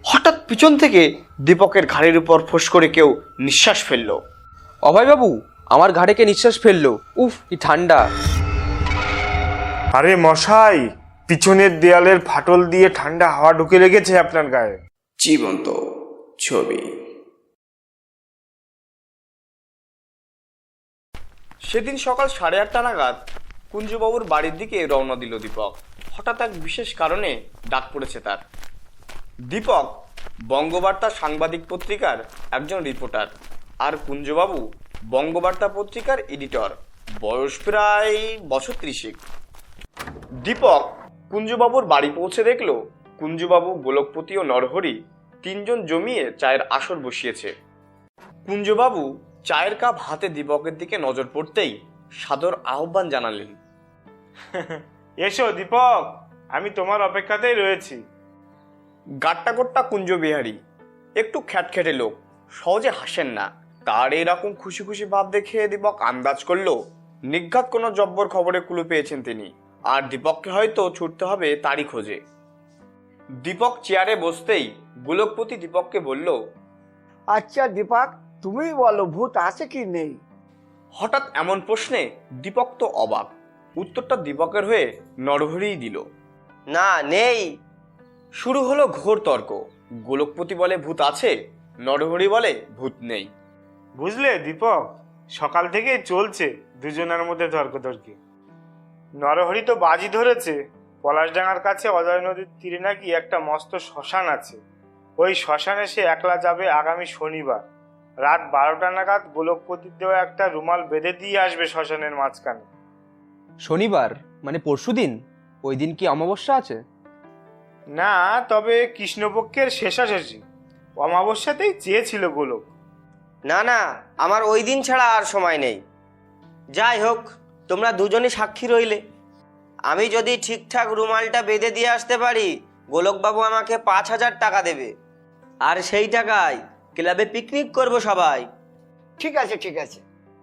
হঠাৎ পিছন থেকে দীপকের ঘাড়ের উপর ফোঁস করে কেউ নিঃশ্বাস ফেলল। অভয়বাবু, আমার ঘাড়ে কে নিঃশ্বাস ফেললো? উফ, কি ঠান্ডা! আরে মশাই, পিছনের দেয়ালের ফাটল দিয়ে ঠান্ডা হাওয়া ঢুকে লেগেছে আপনার গায়ে। জীবন্ত ছবি। সেদিন সকাল 8:30 নাগাদ কুঞ্জবাবুর বাড়ির দিকে রওনা দিল দীপক। হঠাৎ এক বিশেষ কারণে ডাক পড়েছে তার। দীপক বঙ্গবার্তা সাংবাদিক পত্রিকার একজন রিপোর্টার, আর কুঞ্জবাবু বঙ্গবার্তা পত্রিকার এডিটর। বয়স প্রায় বছর 30। দীপক কুঞ্জবাবুর বাড়ি পৌঁছে দেখল কুঞ্জবাবু, গোলকপতি ও নরহরি তিনজন জমিয়ে চায়ের আসর বসিয়েছে। কুঞ্জবাবু চায়ের কাপ হাতে দীপকের দিকে নজর পড়তেই সাদর আহ্বান জানালেন। এসো দীপক, আমি তোমার অপেক্ষাতেই রয়েছি। গাট্টা গোট্টা কুঞ্জবিহারী, একটু খ্যাটখ্যাটে লোক, সহজে হাসেন না। তার এরকম খুশি খুশি ভাব দেখে দীপক আন্দাজ করলো নিঘাত কোনো জব্বর খবরে কুলু পেয়েছেন তিনি, আর দীপককে হয়তো ছুটতে হবে তারই খোঁজে। দীপক চেয়ারে বসতেই গোলকপতি দীপককে বলল, আচ্ছা দীপক, তুমি বলো ভূত আছে কি নেই? হঠাৎ এমন প্রশ্নে দীপক তো অবাক। উত্তরটা দীপকের হয়ে নরহরিই দিল। না, নেই। শুরু হলো ঘোর তর্ক। গোলকপতি বলে ভূত আছে, নরহরি বলে ভূত নেই। বুঝলে দীপক, সকাল থেকেই চলছে দুজনের মধ্যে তর্কতর্কি। নরহরি তো বাজি ধরেছে পলাশডাঙ্গার কাছে অজয় নদীর তীরে নাকি একটা মস্ত শ্মশান আছে। ওই শ্মশানে সে একলা যাবে আগামী শনিবার রাত 12টা নাগাদ। গোলকপতির দেওয়া একটা রুমাল বেঁধে দিয়ে আসবে শ্মশানের মাঝখানে। শনিবার মানে পরশুদিন? ওই দিন কি অমাবস্যা আছে? না, তবে কৃষ্ণপক্ষের শেষাশেষি অমাবস্যাতেই চেয়েছিল গোলক। না না, আমার ওই দিন ছাড়া আর সময় নেই। যাই হোক, তোমরা দুজনই সাক্ষী রইলে। আমি যদি ঠিকঠাক রুমালটা বেঁধে দিয়ে আসতে পারি, গোলকবাবু আমাকে 5,000 টাকা দেবে, আর সেই টাকায় ক্লাবে পিকনিক করব সবাই। ঠিক আছে ঠিক আছে।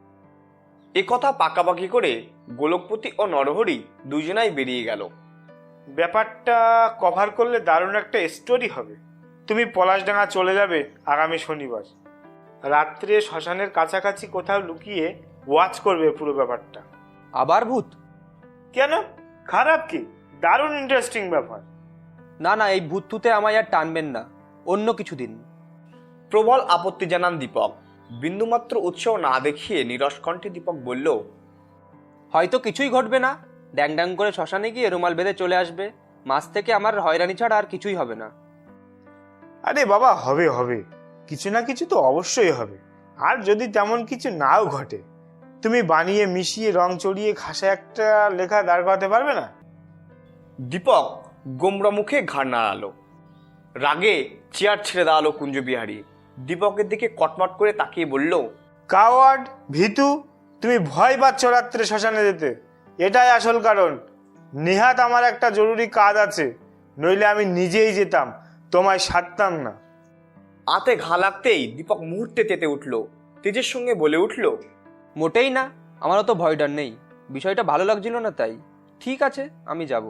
এ কথা পাকাপাকি করে গোলকপতি ও নরহরি দুজনাই বেরিয়ে গেল। ব্যাপারটা কভার করলে দারুণ একটা স্টোরি হবে। তুমি পলাশডাঙ্গা চলে যাবে আগামী শনিবার রাত্রে, শ্মশানের কাছাকাছি কোথাও লুকিয়ে ওয়াচ করবে পুরো ব্যাপারটা। আবার ভূত? কেন, খারাপ কি? দারুণ ইন্টারেস্টিং ব্যাপার। না না, এই ভূত তুতে আমায় আর টানবেন না, অন্য কিছু দিন। প্রবল আপত্তি জানান দীপক। বিন্দুমাত্র উৎসাহ না দেখিয়ে নিরস কণ্ঠে দীপক বলল, হয়তো কিছুই ঘটবে না, ড্যাং ড্যাং করে শ্মশানে গিয়ে রুমাল বেঁধে চলে আসবে। মাছ থেকে আমার হয়রানি ছাড়া আর কিছুই হবে না। আরে বাবা, হবে হবে, কিছু না কিছু তো অবশ্যই হবে। আর যদি তেমন কিছু নাও ঘটে, তুমি বানিয়ে মিশিয়ে রং চড়িয়ে খাসা একটা লেখা দাঁড় করাতে পারবে না? দীপক গোমরা মুখে ঘাড় নাড়ালো। রাগে চেয়ার ছেড়ে দাঁড়ালো কুঞ্জবিহারী। দীপকের দিকে কটমট করে তাকিয়ে বলল, কাওয়ার্ড, ভীতু, তুমি ভয় পাচ্ছ রাত্রে শ্মশানে যেতে, এটাই আসল কারণ। নিহাত আমার একটা জরুরি কাজ আছে, নইলে আমি নিজেই যেতাম, তোমায় সারতাম না। আতে ঘা লাগতেই দীপক মুহূর্তে তেতে উঠল। তেজের সঙ্গে বলে উঠল, মোটেই না, আমারও তো ভয় ডর নেই। বিষয়টা ভালো লাগছিল না তাই। ঠিক আছে, আমি যাব।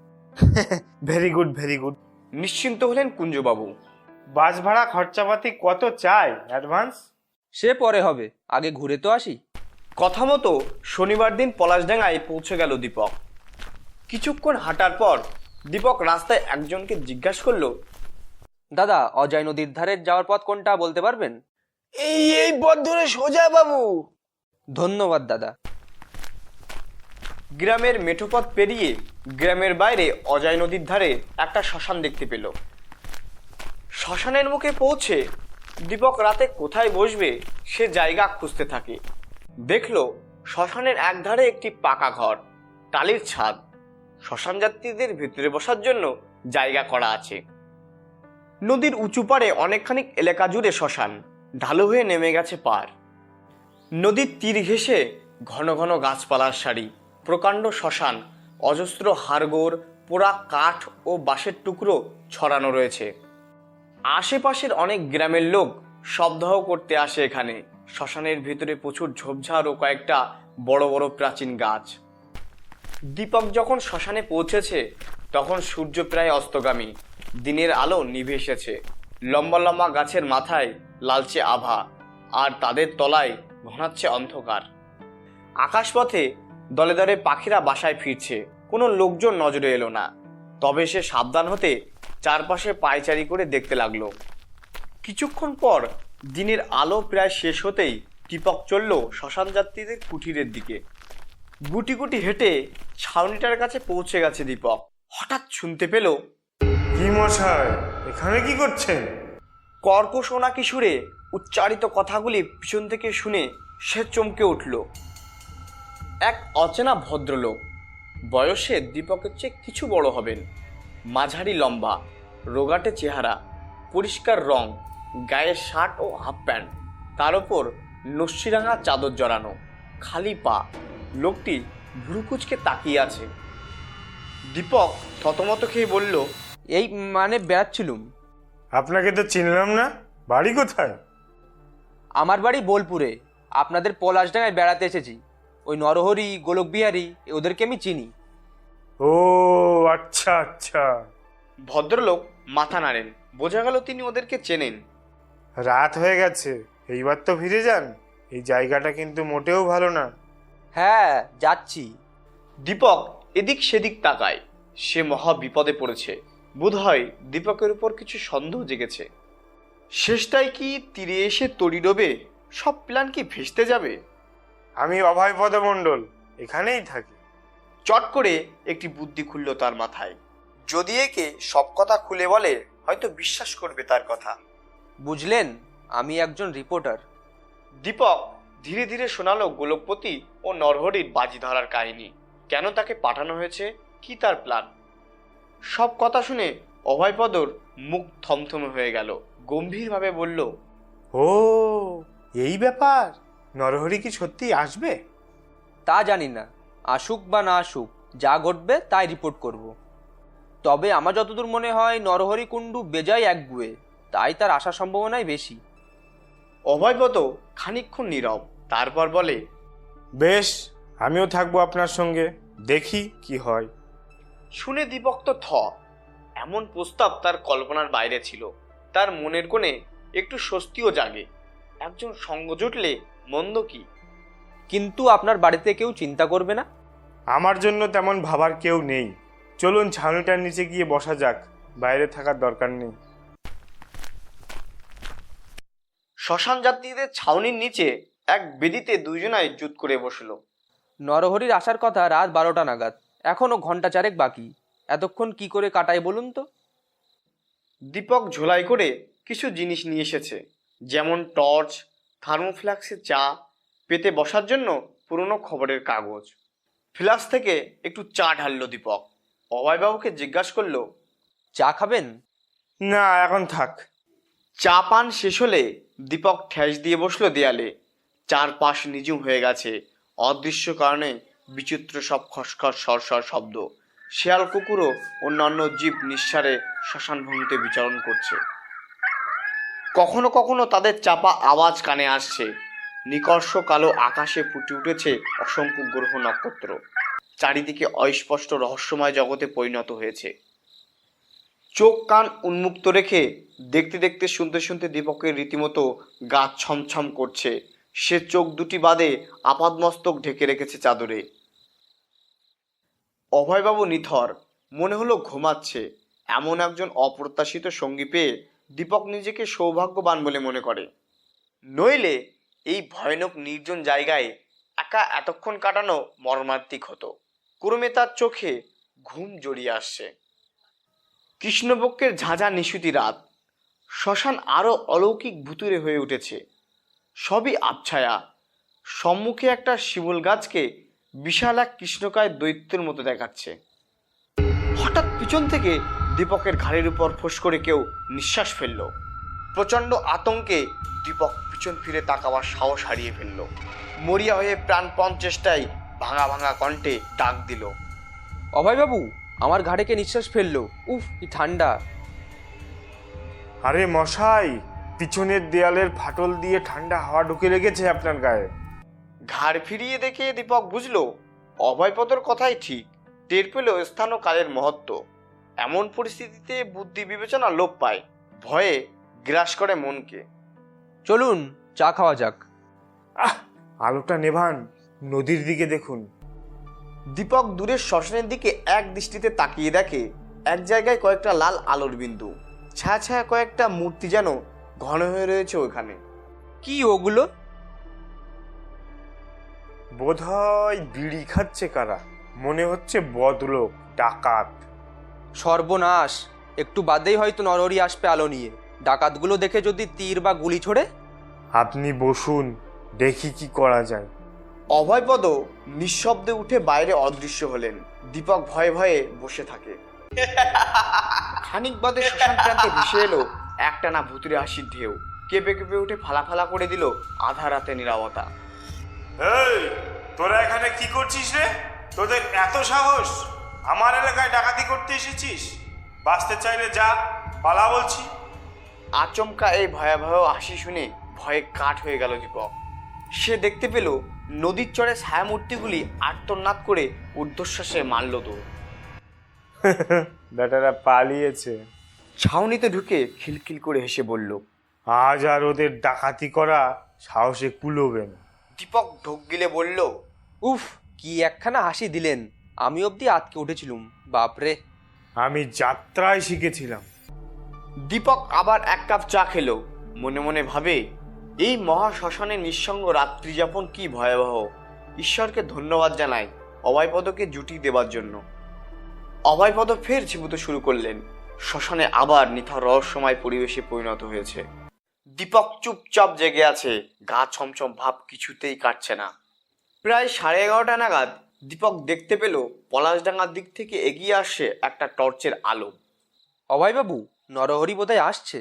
Very good very good. নিশ্চিন্ত হলেন কুঞ্জবাবু। বাস ভাড়া খরচাপাতি কত চাই অ্যাডভান্স? সে পরে হবে, আগে ঘুরে তো আসি। কথা মতো শনিবার দিন পলাশডাঙ্গায় পৌঁছে গেল দীপক। কিছুক্ষণ হাঁটার পর দীপক রাস্তায় একজনকে জিজ্ঞাসা করলো, দাদা, অজয় নদীর ধারে যাওয়ার পথ কোনটা বলতে পারবেন? এই পথ ধরে সোজা বাবু। ধন্যবাদ দাদা। গ্রামের মেঠোপথ পেরিয়ে গ্রামের বাইরে অজয় নদীর ধারে একটা শ্মশান দেখতে পেল। শ্মশানের মুখে পৌঁছে দীপক রাতে কোথায় বসবে সে জায়গা খুঁজতে থাকে। দেখলো শ্মশানের একধারে একটি পাকা ঘর, টালির ছাদ। শ্মশান যাত্রীদের ভিতরে বসার জন্য জায়গা করা আছে। নদীর উঁচু পাড়ে অনেকখানি এলাকা জুড়ে শ্মশান, ঢালু হয়ে নেমে গেছে পার। নদীর তীর ঘেঁষে ঘন ঘন গাছপালার সারি, প্রকাণ্ড শ্মশান, অজস্র হাড়গোড়, পোড়া কাঠ ও বাঁশের টুকরো ছড়ানো রয়েছে। আশেপাশের অনেক গ্রামের লোক শবদাহ করতে আসে এখানে। শ্মশানের ভিতরে প্রচুর ঝোপঝাড় ও কয়েকটা বড় বড় প্রাচীন গাছ। দীপক যখন শ্মশানে পৌঁছেছে তখন সূর্য প্রায় অস্তগামী। দিনের আলো নিভে এসেছে। লম্বা লম্বা গাছের মাথায় লালচে আভা, আর তাদের তলায় ঘনাচ্ছে অন্ধকার। আকাশপথে দলে দলে পাখিরা বাসায় ফিরছে। কোনো লোকজন নজরে এলো না। তবে সে সাবধান হতে চারপাশে পায়চারি করে দেখতে লাগলো। কিছুক্ষণ পর দিনের আলো প্রায় শেষ হতেই দীপক চলল শ্মশান যাত্রীদের কুঠিরের দিকে। গুটি গুটি হেঁটে ছাউনিটার কাছে পৌঁছে গেছে দীপক। হঠাৎ শুনতে পেল, কি মশাই, এখানে কি করছেন? কর্কশ নাকি সুরে উচ্চারিত কথাগুলি পিছন থেকে শুনে সে চমকে উঠল। এক অচেনা ভদ্রলোক, বয়সে দীপকের চেয়ে কিছু বড় হবেন, মাঝারি লম্বা, রোগাটে চেহারা, পরিষ্কার রং, গায়ে শার্ট ও হাফ প্যান্ট, তার ওপর নস্যিরাঙা চাদর জড়ানো, খালি পা। লোকটি ভুরুকুচকে তাকিয়ে আছে। দীপক থতমত খেয়ে বলল, এই মানে বেড়াচ্ছিলুম। আপনাকে তো চিনলাম না, বাড়ি কোথায়? আমার বাড়ি বোলপুরে, আপনাদের পলাশডাঙ্গায় বেড়াতে এসেছি। ওই নরহরি, গোলকবিহারী ওদেরকে আমি চিনি। ও আচ্ছা আচ্ছা। ভদ্রলোক মাথা নাড়েন। বোঝা গেল তিনি ওদেরকে চেনেন। রাত হয়ে গেছে, এইবার তো ফিরে যান। এই জায়গাটা কিন্তু মোটেও ভালো না। হ্যাঁ, যাচ্ছি। দীপক এদিক সেদিক তাকায়। সে মহা বিপদে পড়েছে। বোধহয় দীপকের উপর কিছু সন্দেহ জেগেছে। শেষটাই কি তীরে এসে তড়ি ডোবে? সব প্ল্যান কি ভেস্তে যাবে? আমি অভয়পদ মণ্ডল, এখানেই থাকি। চট করে একটি বুদ্ধি খুলল তার মাথায়। যদি একে সব কথা খুলে বলে, হয়তো বিশ্বাস করবে তার কথা। বুঝলেন, আমি একজন রিপোর্টার। দীপক ধীরে ধীরে শোনালো গোলকপতি ও নরহরির বাজি ধরার কাহিনী। কেন তাকে পাঠানো হয়েছে, কি তার প্ল্যান। সব কথা শুনে অভয়পদর মুখ থমথমে হয়ে গেল। গম্ভীরভাবে বলল, ও এই ব্যাপার, নরহরি কি সত্যি আসবে? তা জানি না, আসুক বা না আসুক, যা ঘটবে তাই রিপোর্ট করব। তবে আমার যতদূর মনে হয় নরহরি কুণ্ডু বেজায় একগুয়ে, তাই তার আসার সম্ভাবনাই বেশি। অভয়পদ খানিকক্ষণ নীরব, তারপর বলে, বেশ, আমিও থাকবো আপনার সঙ্গে, দেখি কি হয়। শুনে দীপক তো থ। এমন প্রস্তাব তার কল্পনার বাইরে ছিল। তার মনের কোণে একটু স্বস্তিও জাগে। একজন সঙ্গ জুটলে মন্দ কি? কিন্তু আপনার বাড়িতে কেউ চিন্তা করবে না? আমার জন্য তেমন ভাবার কেউ নেই। চলুন ছাউনিটার নিচে গিয়ে বসা যাক, বাইরে থাকার দরকার নেই। শ্মশান যাত্রীদের ছাউনির নিচে এক বেদিতে দুইজনাই জুত করে বসলো। নরহরির আসার কথা রাত 12টা নাগাদ, এখনো ঘন্টা চারেক বাকি। এতক্ষণ কি করে কাটাই বলুন তো? দীপক ঝোলাই করে কিছু জিনিস নিয়ে এসেছে, যেমন টর্চ, থার্মোফ্লাক্সে চা, পেতে বসার জন্য পুরনো খবরের কাগজ। ফ্লাক্স থেকে একটু চা ঢাললো দীপক। অভয়বাবুকে জিজ্ঞাসা করলো, চা খাবেন? না, এখন থাক। চা পান শেষ হলে দীপক ঠেস দিয়ে বসলো দেয়ালে। চারপাশ নিঝুম হয়ে গেছে। অদৃশ্য কারণে বিচিত্র সব খসখস সরসর শব্দ। শেয়াল কুকুরও অন্যান্য জীব নিঃসারে শ্মশান ভূমিতে বিচরণ করছে। কখনো কখনো তাদের চাপা আওয়াজ কানে আসছে। নিকর্ষ কালো আকাশে ফুটে উঠেছে অসংখ্য গ্রহ নক্ষত্র। চারিদিকে অস্পষ্ট রহস্যময় জগতে পরিণত হয়েছে। চোখ কান উন্মুক্ত রেখে দেখতে দেখতে শুনতে শুনতে দীপকের রীতিমতো গা ছমছম করছে। সে চোখ দুটি বাদে আপাদমস্তক ঢেকে রেখেছে চাদরে। অভয়বাবু নিথর, মনে হলো ঘুমাচ্ছে। এমন একজন অপ্রত্যাশিত সঙ্গী পেয়ে দীপক নিজেকে সৌভাগ্যবান বলে মনে করে। নইলে এই ভয়ানক নির্জন জায়গায় একা এতক্ষণ কাটানো মর্মান্তিক হতো। ক্রমে তার চোখে ঘুম জড়িয়ে আসছে। কৃষ্ণপক্ষের ঝাঁঝা নিশুতি রাত। শ্মশান আরো অলৌকিক ভুতুরে হয়ে উঠেছে। সবই আবছায়া। সম্মুখে একটা শিমুল গাছকে বিশাল এক কৃষ্ণকায় দৈত্যের মতো দেখাচ্ছে। হঠাৎ পিছন থেকে দীপকের ঘাড়ের উপর ফোঁস করে কেউ নিঃশ্বাস ফেলল। প্রচণ্ড আতঙ্কে দীপক পিছন ফিরে তাকাবার সাহস হারিয়ে ফেলল। মরিয়া হয়ে প্রাণপণ চেষ্টায় ভাঙা ভাঙা কণ্ঠে ডাক দিল, অভয়বাবু, আমার ঘাড়ে কে নিঃশ্বাস ফেললো? উফ, কি ঠান্ডা! আরে মশাই, পিছনের দেয়ালের ফাটল দিয়ে ঠান্ডা হাওয়া ঢুকে লেগেছে আপনার গায়ে। ঘাড় ফিরিয়ে দেখে দীপক বুঝল অভয়পদর কথাই ঠিক। টের পেল স্থান ও কালের মহত্ব। এমন পরিস্থিতিতে বুদ্ধি বিবেচনা লোপ পায়, ভয়ে গ্রাস করে মনকে। চলুন চা খাওয়া যাক। আলোটা নেভান, নদীর দিকে দেখুন। দীপক দূরের শ্মশানের দিকে এক দৃষ্টিতে তাকিয়ে দেখে এক জায়গায় কয়েকটা লাল আলোর বিন্দু, ছায়া ছায়া কয়েকটা মূর্তি যেন ঘন হয়ে রয়েছে ওখানে। কি ওগুলো? বোধহয় বিড়ি খাচ্ছে কারা, মনে হচ্ছে বদলোক, ডাকাত। সর্বনাশ, একটু বাদেই হয়তো নরহরি আসবে আলো নিয়ে। ডাকাতগুলো দেখে যদি তীর বা গুলি ছোড়ে। আপনি বসুন, দেখি কি করা যায়। অভয়পদ নিঃশব্দে উঠে বাইরে অদৃশ্য হলেন। দীপক ভয়ে ভয়ে বসে থাকে। খানিক বাদে শ্মশান প্রান্তে ভেসে এলো একটানা ভুতুরে হাসির ঢেউ। কেঁপে কেঁপে উঠে ফালা ফালা করে দিল আধা রাতে নীরবতা। এই, তোরা এখানে কি করছিস রে? তোদের এত সাহস? আমার এলাকায় ডাকাতি করতে এসেছিস? বাঁচতে চাইলে যা, পালা বলছি। আচমকা এই ভয়াবহ হাসি শুনে ভয়ে কাঠ হয়ে গেল দীপক। সে দেখতে পেল নদীর চরে ছায়ামূর্তিগুলি আর্তনাদ করে ঊর্ধ্বশ্বাসে মারল দৌড়। বেটারা পালিয়েছে। ছাউনিতে ঢুকে খিলখিল করে হেসে বলল, আজ আর ওদের ডাকাতি করা সাহসে কুলোবে না। দীপক ঢোক গিলে বলল, উফ, কি একখানা হাসি দিলেন! আমি অবধি আটকে উঠেছিলুম। বাপরে! আমি যাত্রায় শিখেছিলাম। দীপক আবার এক কাপ চা খেলো। মনে মনে ভাবে, এই মহা শ্মশানে নিঃসঙ্গ রাত্রি যাপন কি ভয়াবহ। ঈশ্বরকে ধন্যবাদ জানাই অভয়পদকে জুটি দেবার জন্য। অভয়পদ ফের ঝিমুতে শুরু করলেন। শ্মশানে আবার নিথর রহস্যময় পরিবেশে পরিণত হয়েছে। দীপক চুপচাপ জেগে আছে, গা ছমছম ভাব কিছুতেই কাটছে না। প্রায় 11:30 নাগাদ দীপক দেখতে পেল পলাশডাঙ্গার দিক থেকে এগিয়ে আসছে একটা টর্চের আলো। অভয়বাবু, নরহরি বোধহয় আসছে।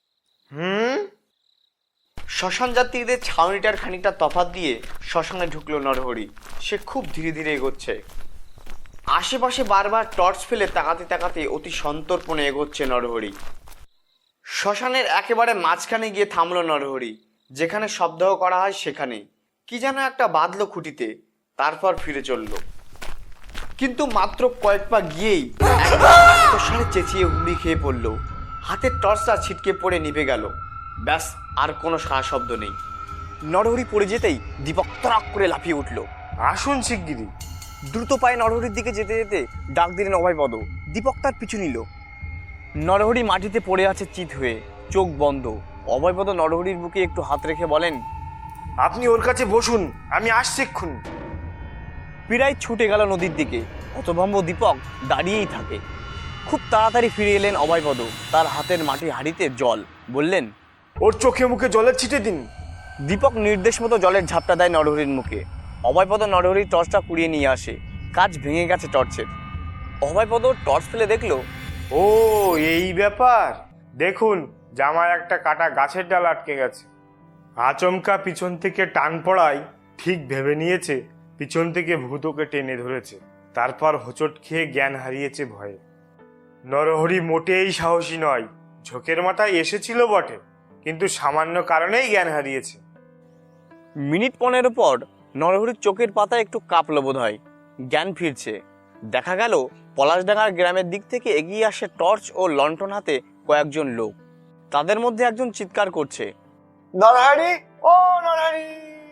শ্মশান যাত্রীদের ছাউনিটার খানিকটা তফাৎ দিয়ে শ্মশানে ঢুকলো নরহরি। সে খুব ধীরে ধীরে এগোচ্ছে। আশেপাশে বারবার টর্চ ফেলে তাকাতে তাকাতে অতি সন্তর্পণে এগোচ্ছে নরহরি। শ্মশানের একেবারে মাঝখানে গিয়ে থামলো নরহরি। যেখানে শবদাহ করা হয় সেখানে কি যেন একটা বাঁধলো খুঁটিতে, তারপর ফিরে চলল। কিন্তু মাত্র কয়েক পা গিয়েই একসাথে চেঁচিয়ে হুমড়ি খেয়ে পড়ল। হাতের টর্চটা ছিটকে পড়ে নিভে গেল। ব্যাস, আর কোনো সারা শব্দ নেই। নরহরি পড়ে যেতেই দীপক তরাক করে লাফিয়ে উঠল। আসুন শিগগিরি। দ্রুত পায়ে নরহরির দিকে যেতে যেতে ডাক দিলেন অভয়পদ। দীপক তার পিছু নিল। নরহরি মাটিতে পড়ে আছে চিত হয়ে, চোখ বন্ধ। অভয়পদ নরহরির বুকে একটু হাত রেখে বলেন, আপনি ওর কাছে বসুন, আমি আসছি এক্ষুনি। পীড়াই ছুটে গেল নদীর দিকে। হতভম্ব দীপক দাঁড়িয়েই থাকে। খুব তাড়াতাড়ি ফিরে এলেন অভয়পদ। তার হাতের মাটির হাঁড়িতে জল। বললেন, ওর চোখে মুখে জলের ছিটে দিন। দীপক নির্দেশ মতো জলের ঝাপটা দেয় নরহরির মুখে। অভয়পদ নরহরির টর্চটা কুড়িয়ে নিয়ে আসে। কাজ ভেঙে গেছে টর্চের। অভয়পদ টর্চ ফেলে দেখলো, ও এই ব্যাপার। দেখুন, জামায় একটা কাটা গাছের ডাল আটকে গেছে। আচমকা পিছন থেকে টান পড়ায় ঠিক ভেবে নিয়েছে পিছন থেকে ভূত ওকে টেনে ধরেছে। তারপর হোঁচট খেয়ে জ্ঞান হারিয়েছে ভয়ে। নরহরি মোটেই সাহসী নয়। ঝোঁকের মাথায় এসেছিল বটে, কিন্তু সামান্য কারণেই জ্ঞান হারিয়েছে। মিনিট 15 পর নরহরির চোখের পাতা একটু কাঁপলো বোধ হয়। জ্ঞান ফিরছে। দেখা গেল পলাশডাঙ্গার গ্রামের দিক থেকে এগিয়ে আসে টর্চ ও লণ্ঠন হাতে কয়েকজন লোক। তাদের মধ্যে একজন চিৎকার করছে, নরহরি, ও নরহরি।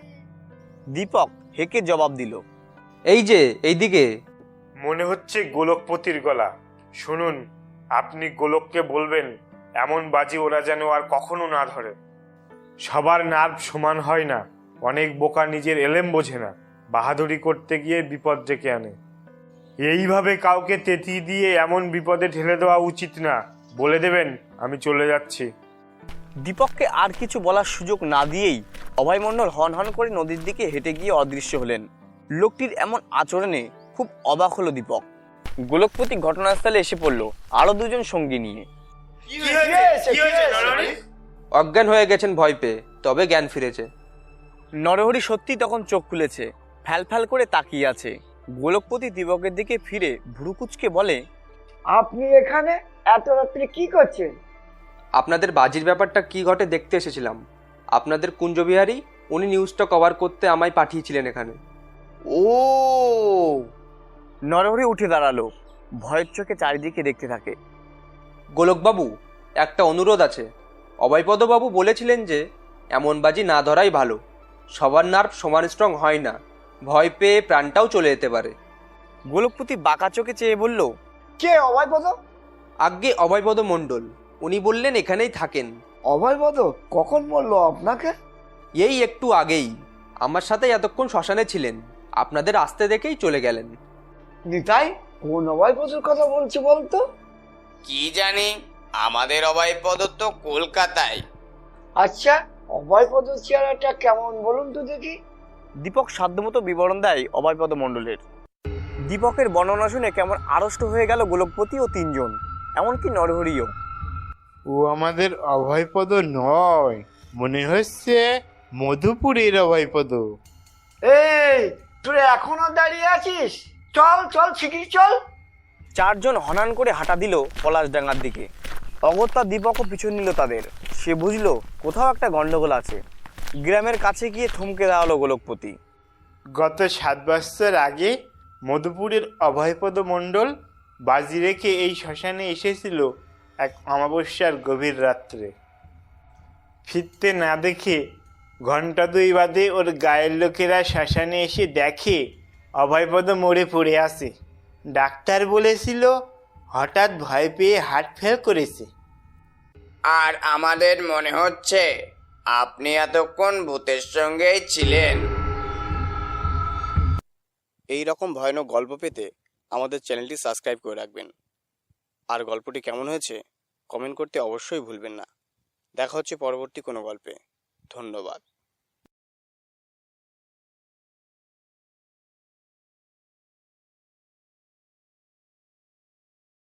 দীপক হেঁকে জবাব দিল, এই যে, এইদিকে। মনে হচ্ছে গোলকপতির গলা। শুনুন, আপনি গোলককে বলবেন এমন বাজি ওরা যেন আর কখনো না ধরে। সবার নার্ভ সমান হয় না। অনেক বোকা নিজের এলেম বোঝে না, বাহাদুরি করতে গিয়ে বিপদ ডেকে আনে। এইভাবে কাউকে তেতি দিয়ে এমন বিপদে ঠেলে দেওয়া উচিত না। বলে দেবেন আমি চলে যাচ্ছি। দীপককে আর কিছু বলার সুযোগ না দিয়েই অভয়মণ্ডল হন হন করে নদীর দিকে হেঁটে গিয়ে অদৃশ্য হলেন। লোকটির এমন আচরণে খুব অবাক হলো দীপক। গোলকপতি ঘটনাস্থলে এসে পড়ল আরো দুজন সঙ্গী নিয়ে। অজ্ঞান হয়ে গেছেন ভয় পেয়ে, তবে জ্ঞান ফিরেছে। নরহরি সত্যি তখন চোখ খুলেছে, ফ্যাল ফ্যাল করে তাকিয়ে আছে। গোলকপতি দীপকের দিকে ফিরে ভুরুকুচকে বলে, আপনি এখানে এত রাত্রে কি করছেন? আপনাদের বাজির ব্যাপারটা কি ঘটে দেখতে এসেছিলাম। আপনাদের কুঞ্জবিহারী, উনি নিউজটা কভার করতে আমায় পাঠিয়েছিলেন এখানে। ও! নরহরি উঠে দাঁড়ালো। ভয়ের চোখে চারিদিকে দেখতে থাকে। গোলকবাবু, একটা অনুরোধ আছে। অভয়পদবাবু বলেছিলেন যে এমন বাজি না ধরাই ভালো। সবার নার্ভ সমান স্ট্রং হয় না, ভয় পেয়ে প্রাণটাও চলে যেতে পারে। গোলকপতি বাঁকা চোখে চেয়ে বলল, কে অভয়পদ? আজ্ঞে অভয়পদ মণ্ডল, উনি বললেন এখানেই থাকেন। অভয়পদ কখন বললো আপনাকে? এই একটু আগেই আমার সাথে এতক্ষণ শ্মশানে ছিলেন, আপনাদের আসতে দেখেই চলে গেলেন। নিতাই, কোন অভয়পদর কথা বলছে বলতো? কি জানি, আমাদের অভয়পদ তো কলকাতায়। আচ্ছা, অভয়পদর চেহারাটা কেমন বলুন তো দেখি। দীপক সাধ্যমতো বিবরণ দেয় অভয়পদ মণ্ডলের। দীপকের বর্ণনা শুনে কেমন আড়ষ্ট হয়ে গেল গোলকপতি ও তিনজন, এমনকি নরহরিও। ও আমাদের অভয়পদ নয়, মনে হচ্ছে মধুপুরের অভয়পদ। এই, তুই এখনো দাঁড়িয়ে আছিস? চল চল, শিগগির চল। চারজন হনান করে হাঁটা দিল পলাশডাঙ্গার দিকে। অগত্যা দীপকও পিছন নিল তাদের। সে বুঝলো কোথাও একটা গন্ডগোল আছে। গ্রামের কাছে গিয়ে থমকে দাঁড়ালো গোলকপতি। গত 7 বছর আগে মধুপুরের অভয়পদ মণ্ডল বাজি রেখে এই শ্মশানে এসেছিল এক অমাবস্যার গভীর রাত্রে। ফিরতে না দেখে ঘন্টা 2 বাদে ওর গায়ের লোকেরা শ্মশানে এসে দেখে অভয়পদ মরে পড়ে আছে। ডাক্তার বলেছিল হঠাৎ ভয় পেয়ে হার্ট ফেল করেছে। আর আমাদের মনে হচ্ছে আপনি এতক্ষণ ভূতের সঙ্গেই ছিলেন। এই রকম ভয়ানক গল্প পেতে আমাদের চ্যানেলটি সাবস্ক্রাইব করে রাখবেন। আর গল্পটি কেমন হয়েছে কমেন্ট করতে অবশ্যই ভুলবেন না। দেখা হচ্ছে পরবর্তী কোনো গল্পে। ধন্যবাদ।